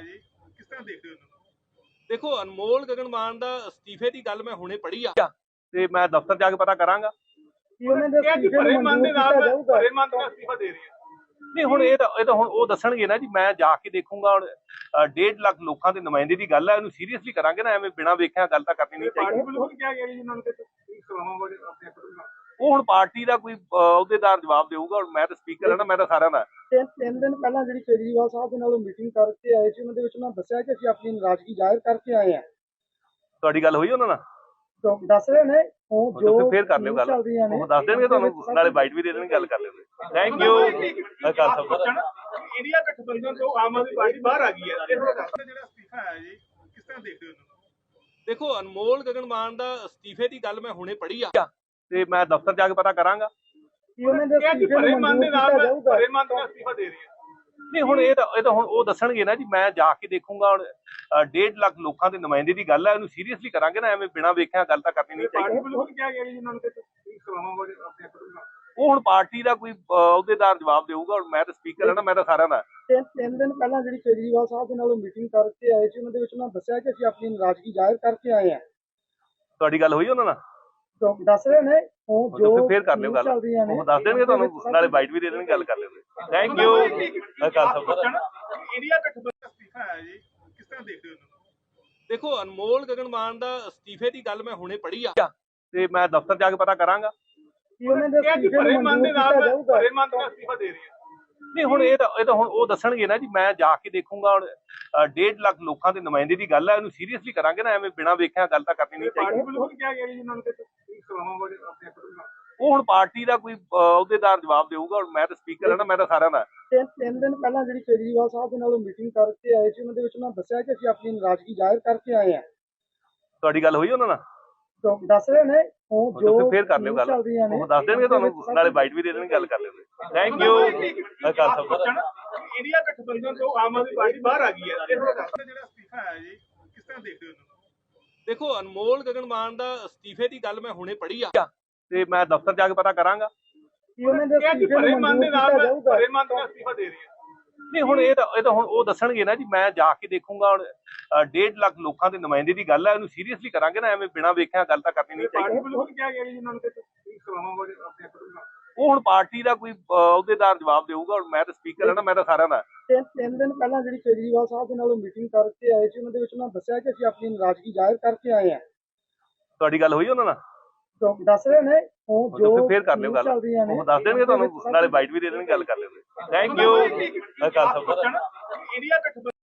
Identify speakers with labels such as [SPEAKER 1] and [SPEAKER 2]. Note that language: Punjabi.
[SPEAKER 1] जी, किस तरह देखते हो इन्होंने?
[SPEAKER 2] देखो अनमोल गगन मान ਦਾ ਅਸਤੀਫੇ ਦੀ ਗੱਲ ਮੈਂ ਹੁਣੇ ਪੜ੍ਹੀ ਆ ਤੇ ਮੈਂ ਦਫ਼ਤਰ ਜਾ ਕੇ ਪਤਾ ਕਰਾਂਗਾ।
[SPEAKER 1] क्या कि भरे मन दे नाल भरे मन दा इस्तीफा दे रही है।
[SPEAKER 2] ਨਹੀਂ ਹੁਣ ਇਹ ਤਾਂ ਹੁਣ ਉਹ ਦੱਸਣਗੇ ਨਾ ਜੀ, ਮੈਂ ਜਾ ਕੇ ਦੇਖੂੰਗਾ। ਹੁਣ 1.5 ਲੱਖ ਲੋਕਾਂ ਦੇ ਨੁਮਾਇੰਦੇ ਦੀ ਗੱਲ ਹੈ, ਇਹਨੂੰ ਸੀਰੀਅਸਲੀ ਕਰਾਂਗੇ ਨਾ, ਐਵੇਂ ਬਿਨਾਂ ਵੇਖਿਆ ਗੱਲ ਤਾਂ ਕਰਨੀ ਨਹੀਂ ਚਾਹੀਦੀ।
[SPEAKER 1] पार्टी वालों ने क्या किया जी इन्होंने तो सलामा वाले अपने अपने
[SPEAKER 2] ਉਹ ਹੁਣ ਪਾਰਟੀ ਦਾ ਕੋਈ ਅਹੁਦੇਦਾਰ ਜਵਾਬ ਦੇਊਗਾ। ਹੁਣ ਮੈਂ ਤਾਂ ਸਪੀਕਰ ਹਾਂ ਨਾ, ਮੈਂ ਤਾਂ ਸਾਰਿਆਂ ਦਾ।
[SPEAKER 3] ਤਿੰਨ ਦਿਨ ਪਹਿਲਾਂ ਜਿਹੜੀ ਕੇਜਰੀਵਾਲ ਸਾਹਿਬ ਦੇ ਨਾਲ ਮੀਟਿੰਗ ਕਰਕੇ ਆਏ ਸੀ, ਉਹਨਾਂ ਦੇ ਵਿੱਚ ਉਹਨਾਂ ਦੱਸਿਆ ਕਿ ਅਸੀਂ ਆਪਣੀ ਨਾਰਾਜ਼ਗੀ ਜ਼ਾਹਿਰ ਕਰਕੇ ਆਏ ਹਾਂ।
[SPEAKER 2] ਤੁਹਾਡੀ ਗੱਲ ਹੋਈ ਉਹਨਾਂ ਨਾਲ?
[SPEAKER 3] ਦੱਸ ਰਹੇ ਨੇ ਉਹ ਜੋ
[SPEAKER 2] ਫੇਰ ਕਰ ਲਿਓ ਗੱਲ, ਉਹ ਦੱਸ ਦੇਣਗੇ ਤੁਹਾਨੂੰ, ਨਾਲੇ ਬਾਈਟ ਵੀ ਦੇ ਦੇਣਗੇ, ਗੱਲ ਕਰ ਲਿਓ। Thank you.
[SPEAKER 1] इंडिया गठबंधन तो आम आदमी पार्टी बाहर आ गई है, ਜਿਹੜਾ ਅਸਤੀਫਾ ਆਇਆ ਜੀ, ਕਿਸ ਤਰ੍ਹਾਂ ਦੇਖਦੇ ਹੋ ਇਹਨੂੰ?
[SPEAKER 2] ਦੇਖੋ ਅਨਮੋਲ ਗਗਨ ਮਾਨ ਦਾ ਅਸਤੀਫੇ ਦੀ ਗੱਲ ਮੈਂ ਹੁਣੇ ਪੜ੍ਹੀ ਆ ਤੇ ਮੈਂ ਦਫ਼ਤਰ ਜਾ ਕੇ ਪਤਾ ਕਰਾਂਗਾ।
[SPEAKER 1] क्या कि भरे मन दे नाल भरे मन दा इस्तीफा दे रही है।
[SPEAKER 2] ਨਹੀਂ ਹੁਣ ਇਹ ਤਾਂ ਹੁਣ ਉਹ ਦੱਸਣਗੇ ਨਾ ਜੀ, ਮੈਂ ਜਾ ਕੇ ਦੇਖੂੰਗਾ। ਹੁਣ 1.5 ਲੱਖ ਲੋਕਾਂ ਦੇ ਨੁਮਾਇੰਦੇ ਦੀ ਗੱਲ ਹੈ, ਇਹਨੂੰ ਸੀਰੀਅਸਲੀ ਕਰਾਂਗੇ ਨਾ, ਐਵੇਂ ਬਿਨਾਂ ਵੇਖਿਆ ਗੱਲ ਤਾਂ ਕਰਨੀ ਨਹੀਂ ਚਾਹੀਦੀ।
[SPEAKER 1] पार्टी वालों ने क्या किया जी इन्होंने तो सलामा वाले अपने अपने
[SPEAKER 2] ਉਹ ਹੁਣ ਪਾਰਟੀ ਦਾ ਕੋਈ ਅਹੁਦੇਦਾਰ ਜਵਾਬ ਦੇਊਗਾ। ਹੁਣ ਮੈਂ ਤਾਂ ਸਪੀਕਰ ਹਾਂ ਨਾ, ਮੈਂ ਤਾਂ ਸਾਰਿਆਂ ਦਾ।
[SPEAKER 3] ਤਿੰਨ ਦਿਨ ਪਹਿਲਾਂ ਜਿਹੜੀ ਕੇਜਰੀਵਾਲ ਸਾਹਿਬ ਦੇ ਨਾਲ ਮੀਟਿੰਗ ਕਰਕੇ ਆਏ ਸੀ, ਉਹਨਾਂ ਦੇ ਵਿੱਚ ਉਹਨਾਂ ਦੱਸਿਆ ਕਿ ਅਸੀਂ ਆਪਣੀ ਨਾਰਾਜ਼ਗੀ ਜ਼ਾਹਿਰ ਕਰਕੇ ਆਏ ਹਾਂ।
[SPEAKER 2] ਤੁਹਾਡੀ ਗੱਲ ਹੋਈ ਉਹਨਾਂ ਨਾਲ?
[SPEAKER 3] ਦੱਸ ਰਹੇ ਨੇ ਉਹ ਜੋ
[SPEAKER 2] ਫੇਰ ਕਰ ਲਿਓ ਗੱਲ, ਉਹ ਦੱਸ ਦੇਣਗੇ ਤੁਹਾਨੂੰ, ਨਾਲੇ ਬਾਈਟ ਵੀ ਦੇ ਦੇਣਗੇ, ਗੱਲ ਕਰ ਲਿਓ। Thank you.
[SPEAKER 1] इंडिया गठबंधन इस्तीफा आया जी, किस तरह देखते हो इन्होंने?
[SPEAKER 2] ਦੇਖੋ ਅਨਮੋਲ ਗਗਨ ਮਾਨ ਦਾ ਅਸਤੀਫੇ ਦੀ ਗੱਲ ਮੈਂ ਹੁਣੇ ਪੜ੍ਹੀ ਆ ਤੇ ਮੈਂ ਦਫ਼ਤਰ ਜਾ ਕੇ ਪਤਾ ਕਰਾਂਗਾ।
[SPEAKER 1] क्या कि भरे मन दे नाल भरे मन दा इस्तीफा दे रही है।
[SPEAKER 2] ਨਹੀਂ ਹੁਣ ਇਹ ਤਾਂ ਹੁਣ ਉਹ ਦੱਸਣਗੇ ਨਾ ਜੀ, ਮੈਂ ਜਾ ਕੇ ਦੇਖੂੰਗਾ। ਹੁਣ 1.5 ਲੱਖ ਲੋਕਾਂ ਦੇ ਨੁਮਾਇੰਦੇ ਦੀ ਗੱਲ ਹੈ, ਇਹਨੂੰ ਸੀਰੀਅਸਲੀ ਕਰਾਂਗੇ ਨਾ, ਐਵੇਂ ਬਿਨਾਂ ਵੇਖਿਆ ਗੱਲ ਤਾਂ ਕਰਨੀ ਨਹੀਂ ਚਾਹੀਦੀ।
[SPEAKER 1] पार्टी वालों ने क्या किया जी इन्होंने तो सलामा वाले अपने अपने
[SPEAKER 2] ਉਹ ਹੁਣ ਪਾਰਟੀ ਦਾ ਕੋਈ ਅਹੁਦੇਦਾਰ ਜਵਾਬ ਦੇਊਗਾ। ਹੁਣ ਮੈਂ ਤਾਂ ਸਪੀਕਰ ਹਾਂ ਨਾ, ਮੈਂ ਤਾਂ ਸਾਰਿਆਂ ਦਾ।
[SPEAKER 3] ਤਿੰਨ ਦਿਨ ਪਹਿਲਾਂ ਜਿਹੜੀ ਕੇਜਰੀਵਾਲ ਸਾਹਿਬ ਦੇ ਨਾਲ ਮੀਟਿੰਗ ਕਰਕੇ ਆਏ ਸੀ, ਉਹਨਾਂ ਦੇ ਵਿੱਚ ਉਹਨਾਂ ਦੱਸਿਆ ਕਿ ਅਸੀਂ ਆਪਣੀ ਨਾਰਾਜ਼ਗੀ ਜ਼ਾਹਿਰ ਕਰਕੇ ਆਏ ਹਾਂ।
[SPEAKER 2] ਤੁਹਾਡੀ ਗੱਲ ਹੋਈ ਉਹਨਾਂ ਨਾਲ?
[SPEAKER 3] ਦੱਸ ਰਹੇ ਨੇ ਉਹ ਜੋ
[SPEAKER 2] ਫੇਰ ਕਰ ਲਿਓ ਗੱਲ, ਉਹ ਦੱਸ ਦੇਣਗੇ ਤੁਹਾਨੂੰ, ਨਾਲੇ ਬਾਈਟ ਵੀ ਦੇ ਦੇਣਗੇ, ਗੱਲ ਕਰ ਲਿਓ। Thank you.
[SPEAKER 1] इंडिया गठबंधन तो आम आदमी पार्टी बाहर आ गई है, ਜਿਹੜਾ ਅਸਤੀਫਾ ਆਇਆ ਜੀ, ਕਿਸ ਤਰ੍ਹਾਂ ਦੇਖਦੇ ਹੋ ਇਹਨੂੰ?
[SPEAKER 2] ਦੇਖੋ ਅਨਮੋਲ ਗਗਨ ਮਾਨ ਦਾ ਅਸਤੀਫੇ ਦੀ ਗੱਲ ਮੈਂ ਹੁਣੇ ਪੜ੍ਹੀ ਆ ਤੇ ਮੈਂ ਦਫ਼ਤਰ ਜਾ ਕੇ ਪਤਾ ਕਰਾਂਗਾ।
[SPEAKER 1] क्या कि भरे मन दे नाल भरे मन दा इस्तीफा दे रही है।
[SPEAKER 2] ਨਹੀਂ ਹੁਣ ਇਹ ਤਾਂ ਹੁਣ ਉਹ ਦੱਸਣਗੇ ਨਾ ਜੀ, ਮੈਂ ਜਾ ਕੇ ਦੇਖੂੰਗਾ। ਹੁਣ 1.5 ਲੱਖ ਲੋਕਾਂ ਦੇ ਨੁਮਾਇੰਦੇ ਦੀ ਗੱਲ ਹੈ, ਇਹਨੂੰ ਸੀਰੀਅਸਲੀ ਕਰਾਂਗੇ ਨਾ, ਐਵੇਂ ਬਿਨਾਂ ਵੇਖਿਆ ਗੱਲ ਤਾਂ ਕਰਨੀ ਨਹੀਂ ਚਾਹੀਦੀ।
[SPEAKER 1] पार्टी वालों ने क्या किया जी इन्होंने तो सलामा वाले अपने अपने
[SPEAKER 2] ਉਹ ਹੁਣ ਪਾਰਟੀ ਦਾ ਕੋਈ ਅਹੁਦੇਦਾਰ ਜਵਾਬ ਦੇਊਗਾ। ਹੁਣ ਮੈਂ ਤਾਂ ਸਪੀਕਰ ਹਾਂ ਨਾ, ਮੈਂ ਤਾਂ ਸਾਰਿਆਂ ਦਾ।
[SPEAKER 3] ਤਿੰਨ ਦਿਨ ਪਹਿਲਾਂ ਜਿਹੜੀ ਕੇਜਰੀਵਾਲ ਸਾਹਿਬ ਦੇ ਨਾਲ ਮੀਟਿੰਗ ਕਰਕੇ ਆਏ ਸੀ, ਉਹਨਾਂ ਦੇ ਵਿੱਚ ਉਹਨਾਂ ਦੱਸਿਆ ਕਿ ਅਸੀਂ ਆਪਣੀ ਨਾਰਾਜ਼ਗੀ ਜ਼ਾਹਿਰ ਕਰਕੇ ਆਏ ਹਾਂ।
[SPEAKER 2] ਤੁਹਾਡੀ ਗੱਲ ਹੋਈ ਉਹਨਾਂ ਨਾਲ?
[SPEAKER 3] ਦੱਸ ਰਹੇ ਨੇ ਉਹ ਜੋ
[SPEAKER 2] ਫੇਰ ਕਰ ਲਿਓ ਗੱਲ, ਉਹ ਦੱਸ ਦੇਣਗੇ ਤੁਹਾਨੂੰ, ਨਾਲੇ ਬਾਈਟ ਵੀ ਦੇ ਦੇਣਗੇ, ਗੱਲ ਕਰ ਲਿਓ। Thank you.
[SPEAKER 1] इंडिया गठबंधन